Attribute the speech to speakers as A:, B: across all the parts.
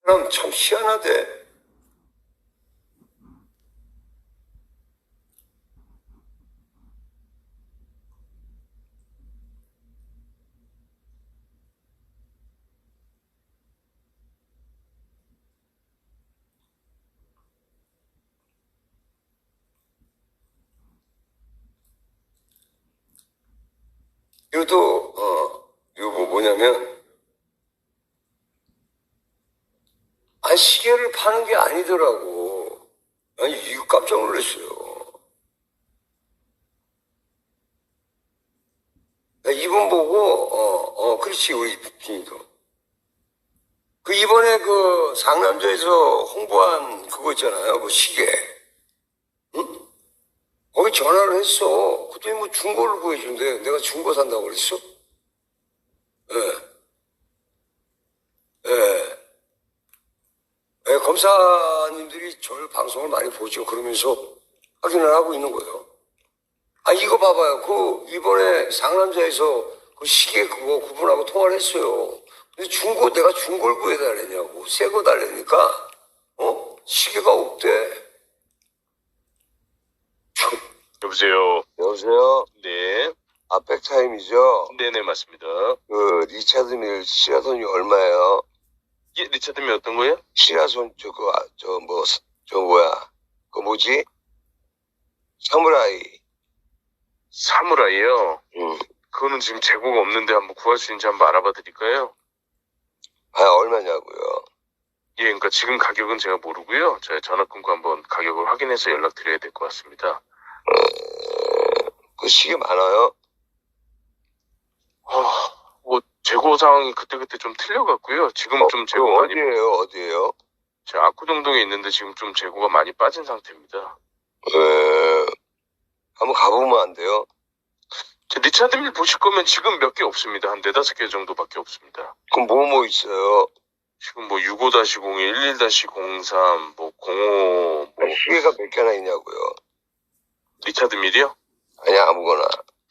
A: 그럼 참 희한하대. 이것도 이거 뭐냐면 시계를 파는 게 아니더라고. 아니 이거 깜짝 놀랐어요. 나 이분 보고 그렇지 우리 비니도 그 이번에 그 상남자에서 홍보한 그거 있잖아요. 그 시계. 응? 거기 전화를 했어. 그랬더니 뭐 중고를 구해준대. 내가 중고 산다고 그랬어? 예. 예. 예, 검사님들이 저를 방송을 많이 보죠. 그러면서 확인을 하고 있는 거예요. 이거 봐봐요. 그, 이번에 상남자에서 그 시계 그거 그분하고 통화를 했어요. 근데 내가 중고를 구해달라냐고. 새 거 달라니까, 시계가 없대.
B: 여보세요.
A: 여보세요?
B: 네.
A: 백타임이죠?
B: 네네, 맞습니다.
A: 그, 리차드 밀 시라손이 얼마예요?
B: 예, 리차드면 어떤 거예요?
A: 시라손, 그 뭐지? 사무라이.
B: 사무라이요?
A: 응.
B: 그거는 지금 재고가 없는데 한번 구할 수 있는지 한번 알아봐 드릴까요?
A: 얼마냐고요?
B: 예, 그러니까 지금 가격은 제가 모르고요. 제가 전화 끊고 한번 가격을 확인해서 연락드려야 될 것 같습니다.
A: 그 시계 많아요?
B: 뭐 재고 상황이 그때그때 좀 틀려갖고요. 지금 좀 재고 많이...
A: 어디에요?
B: 제가 압구정동에 있는데 지금 좀 재고가 많이 빠진 상태입니다.
A: 한번 가보면 안 돼요?
B: 제 리차드밀 보실 거면 지금 몇 개 없습니다. 한 4-5개 정도밖에 없습니다.
A: 그럼 뭐 있어요?
B: 지금 뭐 65-01, 11-03, 뭐 05, 뭐
A: 시계가 몇 개나 있냐고요?
B: 리차드밀이요?
A: 아니, 아무거나.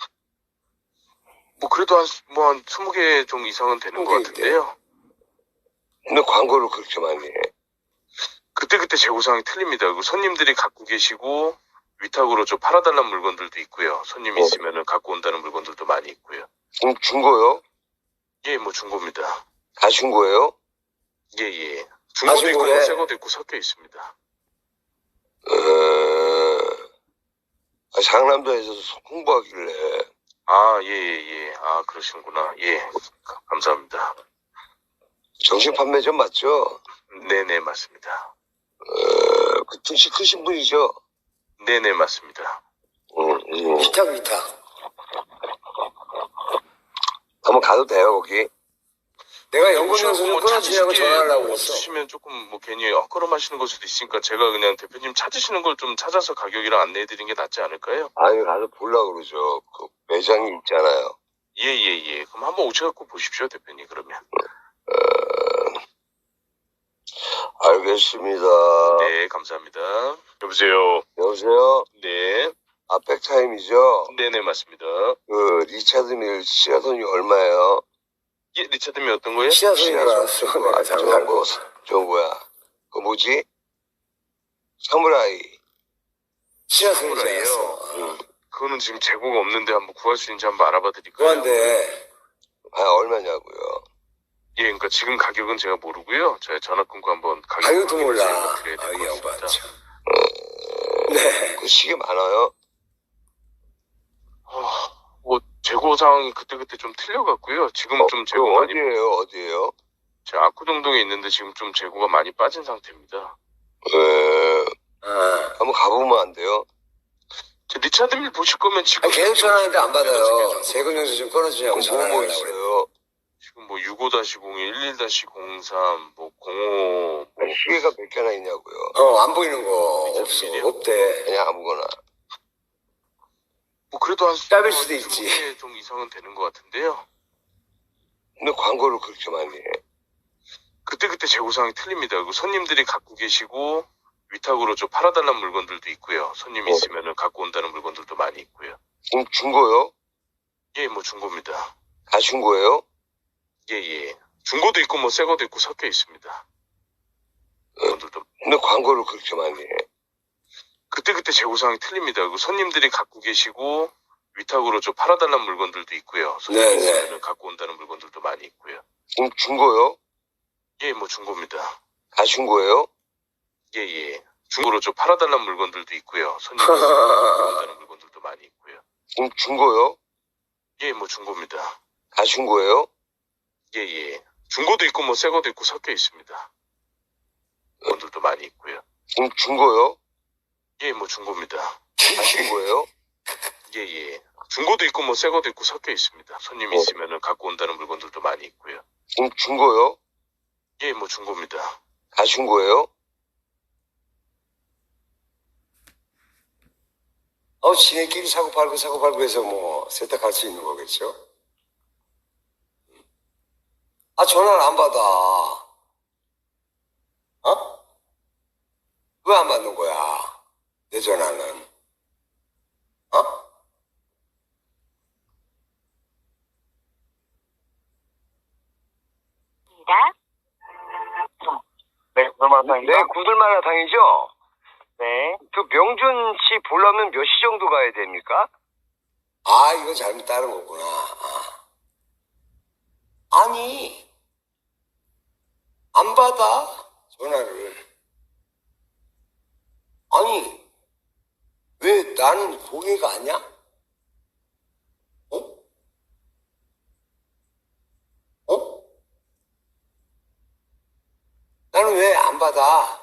B: 뭐 그래도 한 20개 좀 이상은 되는 것 같은데요.
A: 근데 광고를 그렇게 많이 해.
B: 그때그때 재고상이 틀립니다. 그리고 손님들이 갖고 계시고 위탁으로 좀 팔아달라는 물건들도 있고요. 손님이 있으면은 갖고 온다는 물건들도 많이 있고요.
A: 중고요?
B: 예, 뭐 중고입니다.
A: 다 중고예요?
B: 예, 예. 중고도 있고 뭐 새거도 있고 섞여 있습니다.
A: 상남자에서 홍보하길래.
B: 예, 예. 그러시는구나. 예. 감사합니다.
A: 정식 판매점 맞죠?
B: 네네, 맞습니다.
A: 그 등치 크신 분이죠?
B: 네네, 맞습니다.
A: 위탁. 한번 가도 돼요, 거기? 내가 연구소에서 좀 끊어주냐고 전화하려고 했어.
B: 주시면 조금 뭐 괜히 헛걸음하시는 걸 수도 있으니까 제가 그냥 대표님 찾으시는 걸 좀 찾아서 가격이랑 안내해드리는 게 낫지 않을까요?
A: 아니, 가서 보려고 그러죠. 그 매장이 있잖아요.
B: 예. 그럼 한번 오셔갖고 보십시오, 대표님, 그러면.
A: 알겠습니다.
B: 네, 감사합니다. 여보세요?
A: 여보세요?
B: 네.
A: 백타임이죠?
B: 네네, 맞습니다.
A: 그, 리차드 밀 시라손이 얼마예요?
B: 예, 리차드밀 어떤 거예요?
A: 시라손. 그 뭐지? 사무라이.
B: 사무라이요? 그거는 지금 재고가 없는데 한번 구할 수 있는지 한번 알아봐 드릴까요?
A: 그런데, 얼마냐고요?
B: 예, 그러니까 지금 가격은 제가 모르고요. 제가 전화 끊고 한번
A: 가격도 몰라.
B: 연락드려야 될 것 같습니다.
A: 네. 그 시계 많아요?
B: 뭐 재고 상황이 그때그때 좀 틀려갖고요. 지금 좀 재고 많이...
A: 어디에요?
B: 제가 압구정동에 있는데 지금 좀 재고가 많이 빠진 상태입니다.
A: 한번 가보면 안 돼요?
B: 제 리차드밀 보실 거면 지금...
A: 계속 전화하는데 안 받아요. 세금용서 좀 끊어주냐고 전화하려고
B: 있어요? 지금 뭐 65-01, 11-03, 뭐 05...
A: 시계가 몇 개나 있냐고요? 안 보이는 거 없대. 그냥 아무거나.
B: 뭐 그래도 한
A: 짧을 수도 있지.
B: 20개 좀 이상은 되는 것 같은데요.
A: 근데 광고를 그렇게 많이 해.
B: 그때그때 재고상이 틀립니다. 그리고 손님들이 갖고 계시고 위탁으로 좀 팔아달라는 물건들도 있고요. 손님이 있으면은 갖고 온다는 물건들도 많이 있고요.
A: 중고요?
B: 예, 뭐 중고입니다.
A: 다 중고예요?
B: 예. 중고도 있고 뭐 새거도 있고 섞여 있습니다. 물건들도
A: 근데 광고를 그렇게 많이 해.
B: 그때그때 재고상이 틀립니다. 그리고 손님들이 갖고 계시고 위탁으로 좀 팔아달라는 물건들도 있고요. 손님
A: 네네.
B: 있으면 갖고 온다는 물건들도 많이 있고요.
A: 그럼 중고요?
B: 예, 뭐 중고입니다.
A: 다 중고예요?
B: 예, 예. 중고로 좀 팔아달라는 물건들도 있고요. 손님 있으면 갖고 온다는 물건들도 많이 있고요.
A: 그럼 중고요?
B: 예, 뭐 중고입니다.
A: 다 중고예요?
B: 예, 예. 중고도 있고 뭐 새거도 있고 섞여 있습니다. 물건들도 많이 있고요.
A: 그럼 중고요?
B: 예, 뭐 중고입니다.
A: 다 중고예요?
B: 예, 예. 중고도 있고 뭐 새거도 있고 섞여 있습니다. 손님 있으면 갖고 온다는 물건들도 많이 있고요.
A: 그럼 중고요?
B: 예, 뭐 중고입니다.
A: 다 중고예요? 지네끼리 사고 팔고 해서 뭐 세탁할 수 있는 거겠죠? 전화를 안 받아. 왜 안 받는 거야? 내 전화는.
C: 네, 구들마라탕입니다.
A: 네, 구들마라탕이죠?
C: 네.
A: 그 명준 씨 보려면 몇 시 정도 가야 됩니까? 이거 잘못 따른 거구나. 아니, 안 받아, 전화를. 아니, 왜 나는 고객가 아니야? 나는 왜 안 받아?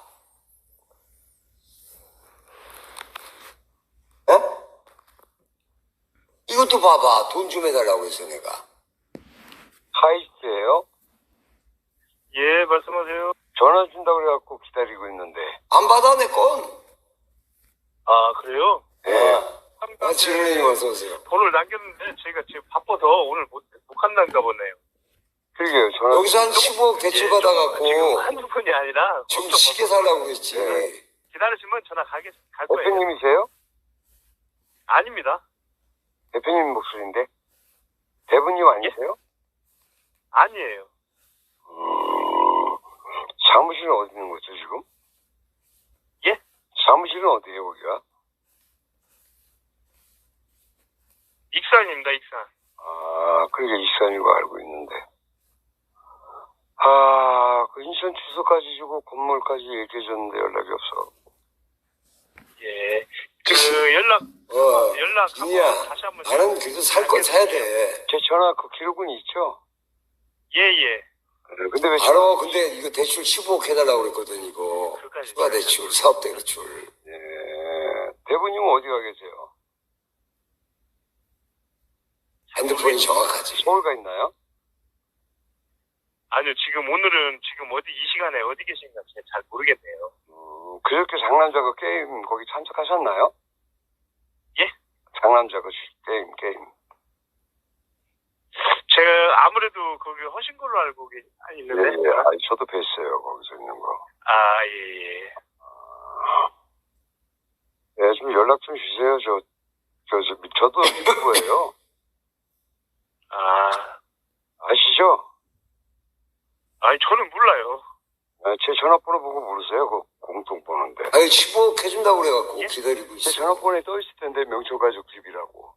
A: 이것도 봐봐. 돈 좀 해달라고 해서 내가. 하이스예요?
C: 예, 말씀하세요.
A: 전화 준다고 그래갖고 기다리고 있는데. 안 받아, 내 건.
C: 아, 그래요?
A: 네. 지르님 어서 오세요.
C: 번호를 남겼는데 저희가 지금 바빠서 오늘 못 간다는가 보네요.
A: 그러게요. 전화. 여기서 한 15억 대출 받아갖고.
C: 지금 한두 분이 아니라
A: 지금
C: 엄청
A: 시계 살라고 그랬지.
C: 기다리시면 전화 갈 거예요.
A: 대표님이세요?
C: 아닙니다.
A: 대표님 목소리인데? 대부님 아니세요?
C: 아니에요.
A: 사무실은 어디 있는 거죠, 지금?
C: 예?
A: 사무실은 어디에요, 거기가?
C: 익산입니다, 익산.
A: 그게 익산인 거 알고 있는데. 그 인천 주소까지 주고 건물까지 얘기해줬는데 연락이 없어.
C: 예. 연락
A: 진이야,
C: 다시 한번.
A: 나는 그래도 살 건 사야 돼. 제 전화 그 기록은 있죠?
C: 예.
A: 근데 왜 바로 근데 이거 대출 15억 해달라고 그랬거든, 이거. 추가 대출, 사업대 대출. 예. 대부님은 어디 가 계세요? 핸드폰이 정확하지. 서울 가 있나요?
C: 아니요, 오늘은 어디, 이 시간에 어디 계신가 잘 모르겠네요.
A: 그저께 상남자 그 게임 거기 참석하셨나요?
C: 예?
A: 상남자 그 게임.
C: 제가 아무래도 거기 하신 걸로 알고 있는데.
A: 예. 저도 뵀어요, 거기서 있는 거.
C: 예.
A: 네, 좀 연락 좀 주세요. 저도 유튜버예요. 아시죠?
C: 저는 몰라요.
A: 제 전화번호 보고 모르세요? 그 공통번호인데. 15억 해준다고 그래갖고 기다리고 있어요. 제 전화번호에 떠있을 텐데, 명초가족 집이라고.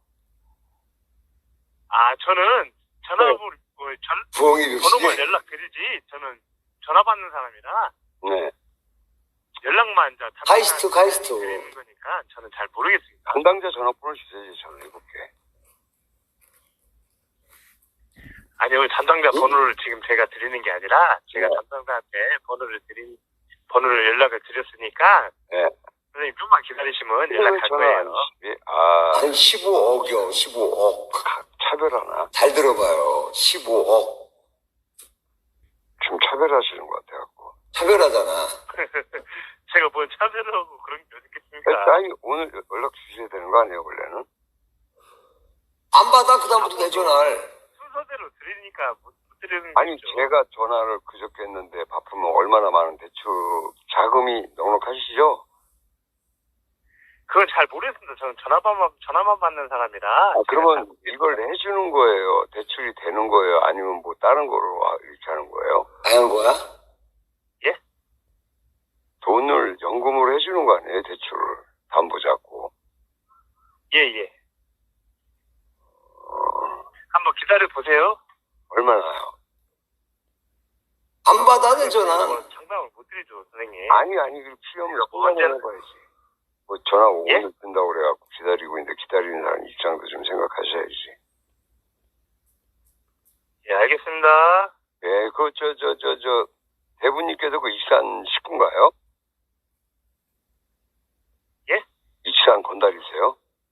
C: 저는 전화번호,
A: 부엉이
C: 번호만 연락드리지, 저는 전화 받는 사람이라.
A: 네.
C: 연락만,
A: 카이스트.
C: 드리는 거니까, 저는 잘 모르겠습니다.
A: 담당자 전화번호 주세요, 저는 해볼게.
C: 아니요, 담당자 번호를 지금 제가 드리는 게 아니라, 제가 담당자한테 번호를 연락을 드렸으니까,
A: 네.
C: 선생님 좀만 기다리시면 연락할 거예요.
A: 한 15억이요, 15억. 차별하나? 잘 들어봐요, 15억. 좀 차별하시는 것 같아갖고. 차별하잖아.
C: 제가 뭐 차별하고 그런 게 어디 있겠습니까?
A: 아니, 오늘 연락 주셔야 되는 거 아니에요, 원래는? 안 받아, 그다음부터 내 전화를.
C: 순서대로 드리니까 못 드리는
A: 아니,
C: 거죠.
A: 제가 전화를 그저께 했는데 바쁘면 얼마나 많은 대출 자금이 넉넉하시죠?
C: 그건 잘 모르겠습니다. 저는 전화만 받는 사람이라.
A: 그러면 이걸 해주는 거예요? 대출이 되는 거예요? 아니면 뭐 다른 거로 이렇게 하는 거예요? 하는 거야?
C: 예?
A: 해주는 거 아니에요? 대출을 담보 잡고.
C: 예, 예. 한번 기다려 보세요.
A: 얼마나요? 안 받아 되잖아.
C: 장담을 못 드리죠, 선생님.
A: 아니, 그 필요하면 뽑아내는 거야지. 뭐 전화 오고
C: 예?
A: 늦는다고 그래갖고 기다리고 있는데 기다리는 사람 입장도 좀 생각하셔야지.
C: 예, 알겠습니다.
A: 예, 대부님께서 그 익산 식구인가요?
C: 예?
A: 익산 건달이세요?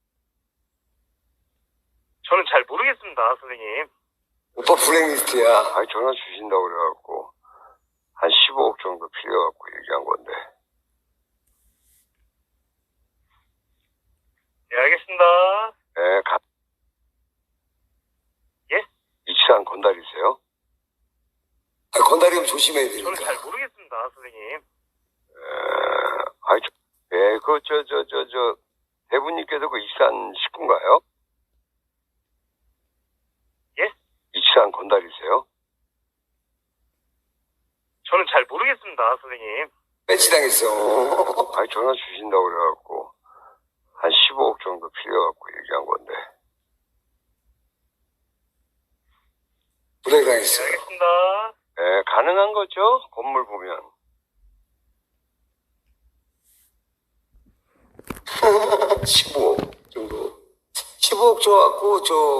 C: 저는 잘 모르겠습니다, 선생님.
A: 오빠 블랙리스트야. 아니, 전화 주신다고 그래갖고 한 15억 정도 필요해갖고 얘기한 건데.
C: 예, 알겠습니다.
A: 예,
C: 예?
A: 익산 건달이세요? 아, 건달이면 조심해야 되니까.
C: 저는 잘 모르겠습니다, 선생님.
A: 대부님께서 그 익산 식구인가요?
C: 예?
A: 익산 건달이세요?
C: 저는 잘 모르겠습니다, 선생님.
A: 배치당했어. 아니, 전화 주신다고 그래갖고 한 15억 정도 필요해갖고 얘기한 건데. 불행당했어.
C: 예, 알겠습니다.
A: 예, 가능한 거죠? 건물 보면. 15억 정도. 15억 줘갖고,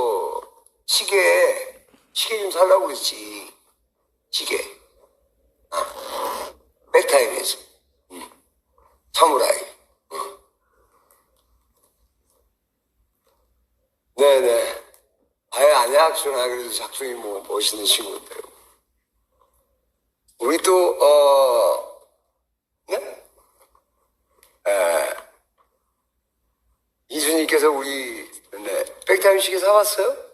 A: 시계 좀 살라고 그랬지. 시계. 백타임에서. 사무라이. 네네. 아예 아내 학수나 그래도 작성이 뭐 멋있는 친구인데요. 우리 또, 네? 이준님께서 우리, 백타임 시계 사왔어요?